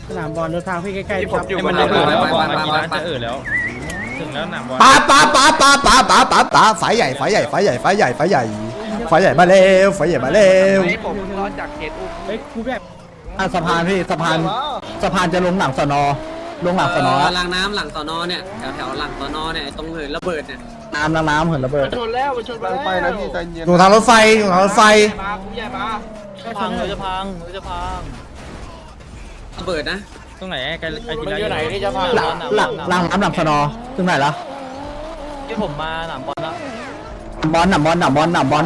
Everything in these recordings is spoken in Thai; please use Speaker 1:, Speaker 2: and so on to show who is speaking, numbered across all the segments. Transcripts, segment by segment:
Speaker 1: สนามบอลรถทางพี่ใกล้ๆครับ
Speaker 2: มันจะเอ่อแล้วบอลกีฬาจะเอ่อแล้วถึงแล้วหนามบอล
Speaker 3: ป้าไฟใหญ่มาแล้วไฟใหญ่มาแล้ว
Speaker 4: ผมรอจากเขตอุ้ม
Speaker 1: เฮ้ยกูแบบ
Speaker 3: สะพานพี่สะพานจะลงหลังสนอลงหลังสนอ
Speaker 4: รางน้ำหลังสอนอเนี่ยแถวหลังสอนอเนี่ยตรงเหินระเบิดเนี่ย
Speaker 3: น้ำเหินระเบิด
Speaker 4: ชนแล้วมันชนไปนะพี่ใจเย็น
Speaker 3: ลงทางรถไฟ
Speaker 4: มาผู้ใหญ่มา
Speaker 2: พังเลยจะพัง
Speaker 4: ระเบิดนะ
Speaker 2: ตรงไหนไกลกีฬา
Speaker 5: อยู่ไหนที่จะพา
Speaker 3: หลังน้ำหลังสนอถึงไหนละ
Speaker 5: ที่ผมมาหนามบอลแล้ว
Speaker 3: บอล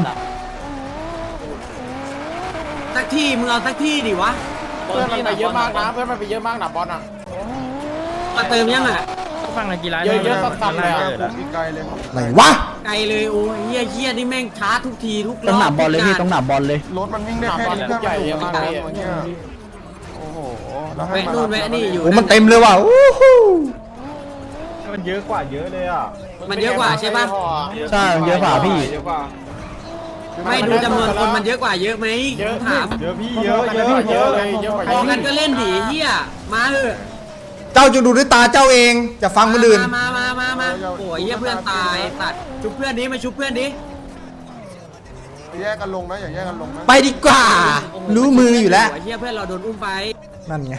Speaker 4: สักที่มึงเอาสักที่ดิวะ
Speaker 5: เพื่อนมันไปเยอะมากนะเพื่อนมันไปเยอะมากหนามบอลอ่ะ
Speaker 4: มาเติมยังอ่ะ
Speaker 2: ต้องฟังกีฬา
Speaker 5: เยอะๆซ้ำๆเลยอ่ะ
Speaker 3: ไหนวะ
Speaker 4: ไกลเลยโอ้ยเฮียนี่แม่งช้าทุกทีทุกรอบ
Speaker 3: ต้องหนามบอลเลยพี่ต้องหนามบอลเลย
Speaker 6: รถมันวิ่งได้
Speaker 5: หนาม
Speaker 6: แค่
Speaker 5: บอล
Speaker 6: นี้
Speaker 5: ใหญ่เยอะมากเลย
Speaker 6: โอ้โหแล้วให้
Speaker 4: แวะนู่นแวะนี่อยู่
Speaker 3: โอ้มันเต็มเลยว่ะอู้หู
Speaker 6: มันเยอะกว่าเยอะเลยอ่ะ
Speaker 4: มันเยอะกว่าใช่ปะ
Speaker 3: ใช่เยอะกว่าพี่
Speaker 4: ไม่ดูจำนวนคนมันเยอะกว่าเยอะไหมถาม
Speaker 6: เยอะพี่เยอะ
Speaker 5: เยอะเลยเยอะกว่า
Speaker 4: พอกันก็เล่นดิเฮียมาเถอะ
Speaker 3: เจ้าจะดูด้วยตาเจ้าเองจะฟังคนอื่น
Speaker 4: มาโอ้ยเฮียเพื่อนตายตัดชุบเพื่อนดิมาชุบเพื่อนดิ
Speaker 6: แยกกันลงนะอย่าแยกกันลงนะ
Speaker 3: ไปดีกว่า รู้มืออยู่แล้ว
Speaker 4: เฮียเพื่อนเราโดนอุ้มไป
Speaker 3: นั่นไง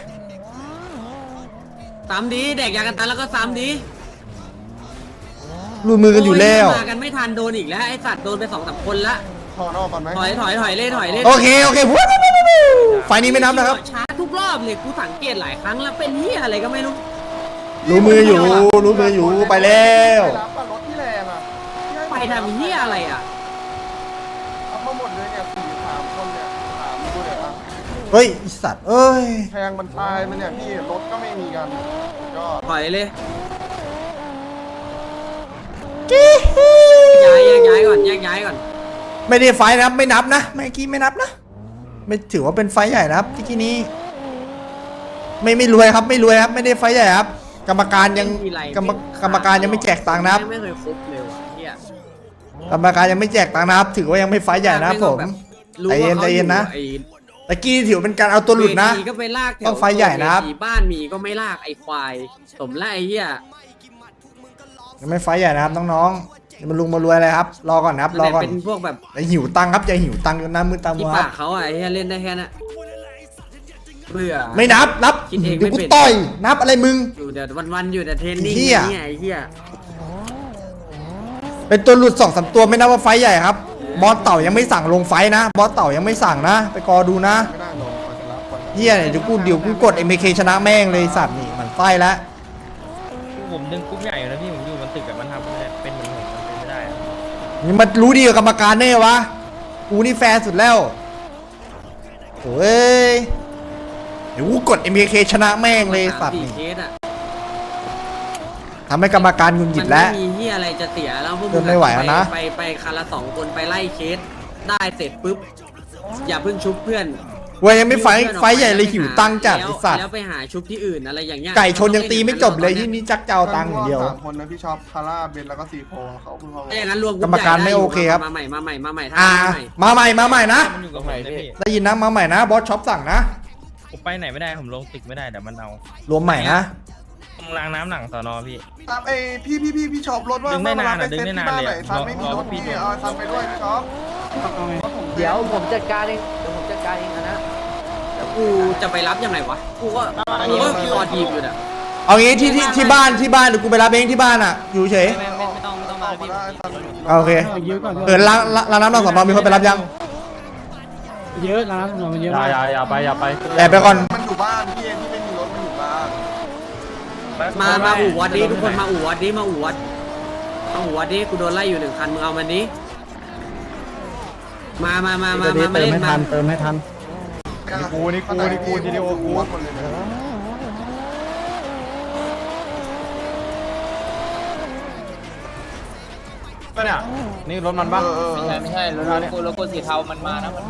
Speaker 4: ซ้ำดีแดกยากันตันแล้วก็ซ้ำดี
Speaker 3: รู้มือกันอยู่แล้ว
Speaker 4: มากันไม่ทันโดนอีกแล้วไอสัตว์โดนไป2-3คนละ
Speaker 6: ถอดออกก่อนไหม
Speaker 4: ถอยเล่น
Speaker 3: โอเควู้ไฟนี้ไม่นับนะครับ
Speaker 4: ช้าทุกรอบเลยกูสังเกตหลายครั้งแล้วเป็นเฮียอะไรก็ไม่รู้
Speaker 3: รู้มืออยู่ไปแล้ว
Speaker 6: ไปรับป่ะรถที่แรงอ่ะ
Speaker 4: ไปทำเฮียอะไรอ่ะ
Speaker 6: เอาเข้าหมดเลยเนี่ย3 คนเนี่ย3ดูเลยอ่ะ
Speaker 3: เฮ้ยไอ้สัตว์เอ้ย
Speaker 6: แทงมันตายมันเนี่ยพี่รถก็ไม่มีกันก็
Speaker 4: ถอยเลยย้ายก่อน
Speaker 3: ไม่ได้ไฟนะครับไม่นับนะเมื่อกี้ไม่นับนะ ไม่ถือว่าเป็นไฟใหญ่นะครับที่กี้นี้ไม่รวยครับไม่ได้ไฟใหญ่ครับ กรรมการยังกรรมการยังไม่แจกตังค์นะครับ
Speaker 4: ไม่เคยครบเลยว่ะเฮีย
Speaker 3: กรรมการยังไม่แจกตังค์นะครับ ถือว่ายังไม่ไฟใหญ่นะครับผมใจเย็นนะตะกี้ถือเป็นการเอาตัวหลุดนะ
Speaker 4: ก็ไปลากแถว
Speaker 3: ต้องไฟใหญ่นะครับ
Speaker 4: บ้านมีก็ไม่ลากไอควายสมแล้วไอเฮีย
Speaker 3: ยังไม่ไฟใหญ่นะครับน้องๆอย่ามาลุงมารวยอะไรครับรอก่อนนะครับรอก่อน
Speaker 4: เป็นพวกแบบ
Speaker 3: อย่าหิวตังค์ครับอย่าหิวตังค์จนน้ำมือตามั
Speaker 4: ที่
Speaker 3: วค
Speaker 4: ปา
Speaker 3: รับ
Speaker 4: กเขาอ่ะไอเฮียเล่นได้แค่นั้นเบื่อ
Speaker 3: ไม่นับ
Speaker 4: คิดเองไม่
Speaker 3: เดี๋ยวกู
Speaker 4: เป็น
Speaker 3: ต่อยนับอะไรมึง
Speaker 4: อยู่แต่วันๆอยู่แต่เทรนนิ่ง
Speaker 3: เหี้ย
Speaker 4: เนี่ยไอเฮีย
Speaker 3: เป็นตัวหลุด2-3ตัวไม่นับว่าไฟใหญ่ครับบอสเต่ายังไม่สั่งลงไฟนะบอสเต่ายังไม่สั่งนะ ไปกอดูนะ
Speaker 6: ไม่ได้ลงก่อนจะรับก่อน
Speaker 3: เฮียเนี่ยเดี๋ยวกูกด MK ชนะแม่งเลยสัตว์นี่มันไฟแล้ว
Speaker 2: ผมดึงกรุ๊ปใหญ่อยู่นะพี่ผมอยู่มันตึกแบบมันทำไม่ได้เป็นเหมือนผมมันเป็นไม่ได้อะ
Speaker 3: นี่มันรู้ดีกับกรรมการแน่วะกูนี่แฟร์สุดแล้วโอ้ยเดี๋ยวกูกด MK ชนะแม่งเลยสัตว์
Speaker 4: 4
Speaker 3: นี่
Speaker 4: เคสอ่ะ
Speaker 3: ทำให้กรรมการหงุดหงิดแล้ว
Speaker 4: มันไม่มีเฮียอะไรจะเสียแล้วพวก
Speaker 3: เดินไม่ไหวแล้วนะ
Speaker 4: ไปคันละ2 คนไปไล่เคสได้เสร็จปุ๊บอย่าเพิ่งชุบเพื่อน
Speaker 3: เว้ยยังไม่ไฟใหญ่เลยหิวตังค์จัดไอสัตว์
Speaker 4: แล้วไปหาชุบที่อื่นอะไรอย่างเงี้ย
Speaker 3: ไก่ชนยังตีไม่จบเลยที่นี่จักเจ้าตังค์อย่างเดียว
Speaker 6: 3 คนนะพี่ชอบคาร่าเบนแล้วก็ซีโฟเขาเพิ่งเข้า
Speaker 4: ถ้าอย่างนั้นรวม
Speaker 3: กรรมการไม่โอเคครับ
Speaker 4: มาใหม่มาใหม่ทำ
Speaker 3: มา
Speaker 4: มา
Speaker 3: ให
Speaker 4: ใหม่
Speaker 3: ม่นะ
Speaker 2: มันอยู่กับผมเลยพี่
Speaker 3: ได้ยินนะมาใหม่นะบอสช็อปสั่งนะ
Speaker 2: ผมไปไหนไม่ได้ผมลงตึกไม่ได้เดี๋ยวมันเอา
Speaker 3: รวมใหม่นะ
Speaker 2: ตรงรางน้ำหลังสอนอพี่
Speaker 6: ตามไอ้พี่ชอบรถว่า
Speaker 2: ดึงได้นานอะ
Speaker 6: เซ็
Speaker 2: ดึงได้นานเลยอะ
Speaker 6: ซันไม่มีรถพี่เอาซันไปด้วยพี่ชอบ
Speaker 4: เดี๋ยวผมจัดการเองนะแล้วกูจะไปรับยังไงวะกูก็รอทีมอยู่น่ะ
Speaker 3: เอางี้ที่บ้านเดี๋ยวกูไปรับเองที่บ้านอ่ะอยู่เฉย
Speaker 5: ไม่ต้องมา
Speaker 6: ออกมา
Speaker 5: พี่
Speaker 6: ได้ซัน
Speaker 3: โอเค
Speaker 1: เยอะก่อน
Speaker 3: ร้านน้ำหลังสอนอมีคนไปรับยัง
Speaker 1: เยอะร้านถนนมันเยอะมาก
Speaker 5: อย่าไป
Speaker 3: แอบไปก่อน
Speaker 6: มันอยู่บ้านพี่เองที่ไม่มีรถมันอยู่บ้าน
Speaker 4: มาอู่วัดดิทุกคนมาอู่วัดดิมาอู่วัดดิกูโดนไล่อยู่1 คันมึงเอามันดิมาเล่นมา
Speaker 3: เติมให้ทัน
Speaker 6: นี่กูทีเดียวกูหมดเลยนะ
Speaker 5: เนี่ยนี่รถมันบ้าง
Speaker 6: ไม่ใช่
Speaker 5: รถกูสีเทามันมานะ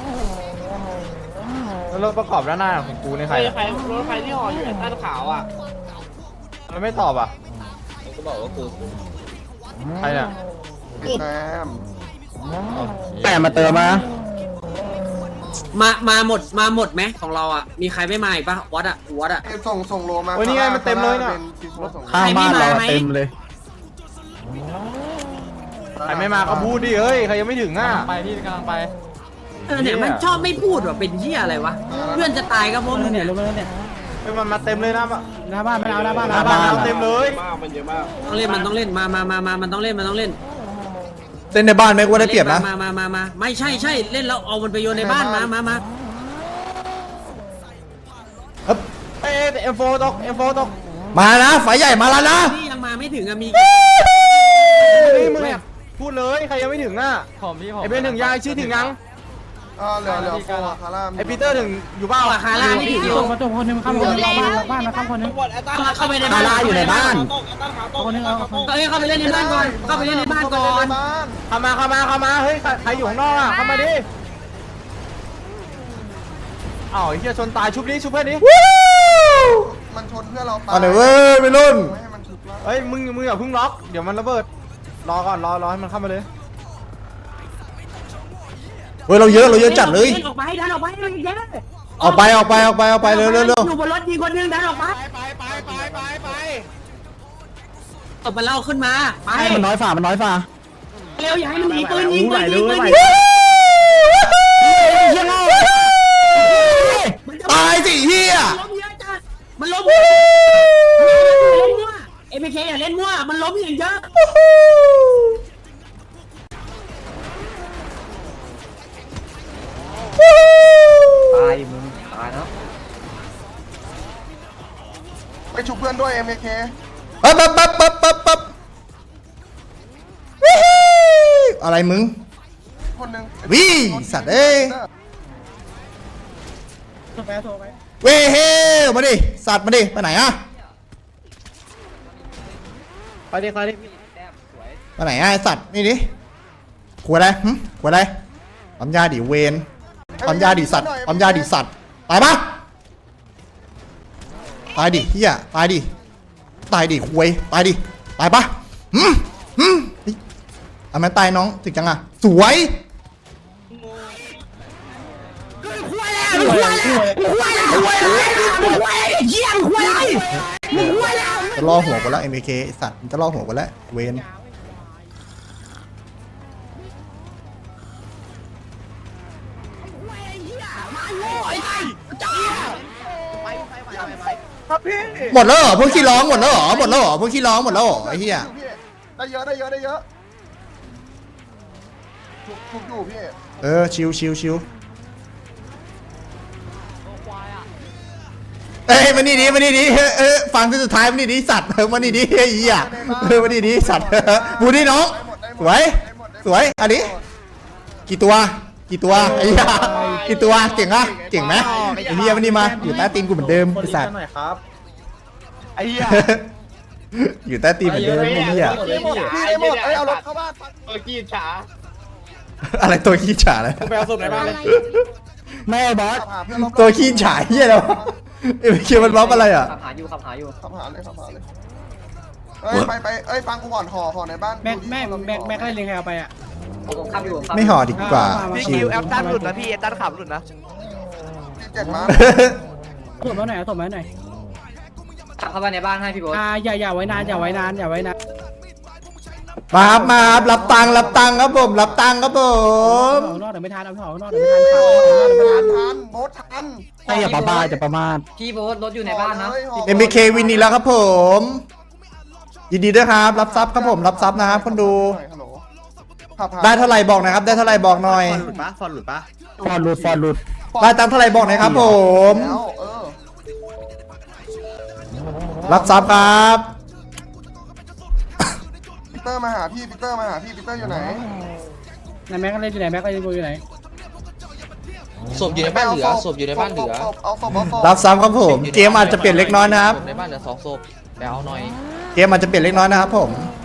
Speaker 5: รถประกอบด้านหน้าของกูนี่ใครรถใครที่ห่ออยู่ใต้ขาวอ่ะมันไม่ตอบอ่ะก็บอกว่ากูใครเนี่ย
Speaker 6: แซม
Speaker 3: แต่มาเติมมา
Speaker 4: มาหมดไหมของเราอ่ะมีใครไม่มาอีกปะวัดอ่ะ
Speaker 6: ส่งโลมา
Speaker 5: โอ้ยนี่ไงมันเต็มเลยน่ะ
Speaker 6: เป็นกิโลส่ง
Speaker 4: ข้างบ้านเราเต็มเลย
Speaker 5: ใครไม่มาก็พูดดิเฮ้ยใครยังไม่ถึงอ่ะไปพี่กำลังไป
Speaker 4: เนี่ยมันชอบไม่พูดว่าเป็นเหี้ยอะไรวะเพื่อนจะตายก็เพราะ
Speaker 1: ล
Speaker 4: มึ
Speaker 1: ง
Speaker 4: ง
Speaker 1: เนี่ย
Speaker 4: เนี่ย
Speaker 1: ลงมาแล้วเนี่ย
Speaker 5: เฮ้ยมันมาเต็มเลยนะ
Speaker 1: หน้าบ้านไม่เอาหน้าบ้าน
Speaker 5: หน้าบ้านเราเต็มเลย
Speaker 4: ต้องเล่นมันต้องเล่นมามันต้องเล่น
Speaker 3: เล่นในบ้านไหมกูว่าได้เปรียบนะ
Speaker 4: มาไม่ใช่เล่นแล้วเอามันไปโยนในบ้านมา
Speaker 5: เอ้ยเอ็มโฟตก
Speaker 3: มานะไฟใหญ่มาแล้วนะ
Speaker 4: ที่ยังมาไม่ถึงอะมี
Speaker 5: นี่มึงเนี่ยพูดเลยใครยังไม่ถึงอ่ะไอเป็นถึงยังชื่อถึงยัง
Speaker 6: เหลือโฟคาร่า
Speaker 5: ไอปีเตอร์ถึงอยู่เปล่า
Speaker 4: คาร่าไม่ถึงอยู่
Speaker 1: ส่งมาตัวคนหนึงข้ามบ้านมาข้ามคนหนึง
Speaker 4: เข้าไปในบ้านอยู่ในบ้าน
Speaker 1: คนหนึงเอา
Speaker 4: เข้าไปเล่นในบ้านก่อนเข้าไปเล่นในบ้านก่อน
Speaker 5: เข้ามาเฮ้ยใครอยู่ข้างนอกอ่ะเข้ามาดิอ้าวไอ้เหี้ยชนตายชุบนี้ชุบเพื่อนนี้
Speaker 6: มันชนเพื่อเราตาย
Speaker 3: เอาหน่อยเว้ยไปรุ่น
Speaker 6: ไม่ให้มันชุบแล้ว
Speaker 5: เฮ้ยมึงอย่าเพิ่งล็อกเดี๋ยวมันระเบิดรอก่อนรอให้มันเข้ามาเลย
Speaker 3: เว้ยเราเยอะจัดเลย
Speaker 4: ออกไปดันออกไปเยอะ
Speaker 3: ออกไปเร็ว
Speaker 4: อยู่บนรถยิงคนนึงดันออกไปตบมันเล่าขึ้นมาไป
Speaker 1: มันน้อยฝ่า
Speaker 4: เร็วอย่าให้มันยิงปืนยิง
Speaker 3: ตายสิเฮีย
Speaker 4: ล้มเยอะจัดมันล้มเอ็มเคอย่าเล่นมั่วมันล้มอย่างเยอะ
Speaker 3: ตาย
Speaker 6: ไปชุบเพื่อนด้วย MK
Speaker 3: ปั๊บอะไรมึง
Speaker 6: คนหนึ่ง
Speaker 3: วิสัตว์เอ้ย
Speaker 1: โทรไป
Speaker 3: เว้ยเฮ้มาดิสัตว์มาดิไปไหนอะ
Speaker 5: ไปดิ
Speaker 3: ไปไหนอะไอ้สัตว์นี่ดิขวดอะไรขวดอะไรปั๊มยาดิเวนปั๊มยาดิสัตว์ปั๊มยาดิสัตว์ตายปะตายดิเฮียตายดิควยตายดิตายปะเอามันตายน้องถึงจังอะสวยจะล่อหัวกันแล้ว MK ไอ้สัตว์มันจะล่อหัวกันแล้วเวนหมดแล้วเหรอพวกขี้ร้องหมดแล้วเหรอพวกขี้ร้องหมดแล้วเหรอไอ้เหี้ย
Speaker 6: ได้เยอะชุบอยู่พี่
Speaker 3: ชิวเอ้ยมานี่ดิฟังที่สุดท้ายมานี่ดิสัตว์มานี่ดิไอ้เหี้ยมานี่ดิสัตว์บูนี่น้องสวยอันนี้กี่ตัวไอ้เหี้ยกี่ตัวเก่งไหมไอ้เหี้ยมานี่มาอยู่ใต้ตีนกูเหมือนเดิมไอ้สัตว์
Speaker 5: หน่อยครับไอ้เหี้ย
Speaker 3: อยู่ใต้ตีนเหมือนเดิมไอ้เหี้ย
Speaker 6: พี่หมดเอารถเข้าบ้าน
Speaker 3: อะไรตัวขี้ฉาอะไร
Speaker 5: ไปเอาศพไหนบ้างเลย
Speaker 1: แม่บอส
Speaker 6: ขับหาเพื่อนรอบ
Speaker 3: ตัวขี้ฉาเหี้ยอะไรวะเอ็มเคมันบล็อกอะไรอ่ะ
Speaker 4: ขับหาอยู่
Speaker 6: ขับหาเลยไปฟังกูก่อนห่อในบ้าน
Speaker 1: แม็กได้เลี้ยงใครเอาไปอ่ะ
Speaker 4: ผมขับอยู่
Speaker 3: ไม่ห่อดีกว่า
Speaker 5: พี่คิวแอปตันหลุดนะพี่แอปตันขับหลุดนะ
Speaker 6: เจ็ดมา
Speaker 1: ส่งมาหน่อยส่งมาหน่อย
Speaker 4: ขับเข้าไปในบ้านให้พี่โบ๊ท
Speaker 1: อย่าไว้นาน
Speaker 3: มาครับรับตังค์ครับผมรับตังค์ครับผม
Speaker 1: เอานอกเดี๋ยวไม่ทัน
Speaker 6: ทันโบ๊ททัน
Speaker 1: อย่าประมาท
Speaker 4: พี่โบ๊ทรถอยู่ในบ้านนะ
Speaker 3: เอ็มเควินนี่แล้วครับผมยินดีด้วยครับรับทรัพย์ครับผมรับทรัพย์นะครับคนดูได้เท่าไหร่บอกนะครับได้เท่าไหร่บอกหน่อย
Speaker 5: ฟอนหลุดปะ
Speaker 1: ฟอนหลุด
Speaker 3: ได้ตังค์เท่าไหร่บอกหน่อยครับผม รับทรัพย์ครับ
Speaker 6: ปีเตอร์มาหาพี่ปีเตอร์อยู่ไหน
Speaker 1: ไหนแม็กเล่นอยู่ไหนแม็กเล่นอยู่ไหน
Speaker 7: ศพอยู่ในบ้านเหลือศพอยู่ในบ้านเหลือ
Speaker 6: เอาศพ
Speaker 3: รับทรัพย์ครับผมเกมอาจจะเปลี่ยนเล็กน้อยนะครับ
Speaker 7: ในบ้านเหลือ2ศพไปเอาหน่อย
Speaker 3: เกมอาจจะเปลี่ยนเล็กน้อยนะครับผม
Speaker 6: เ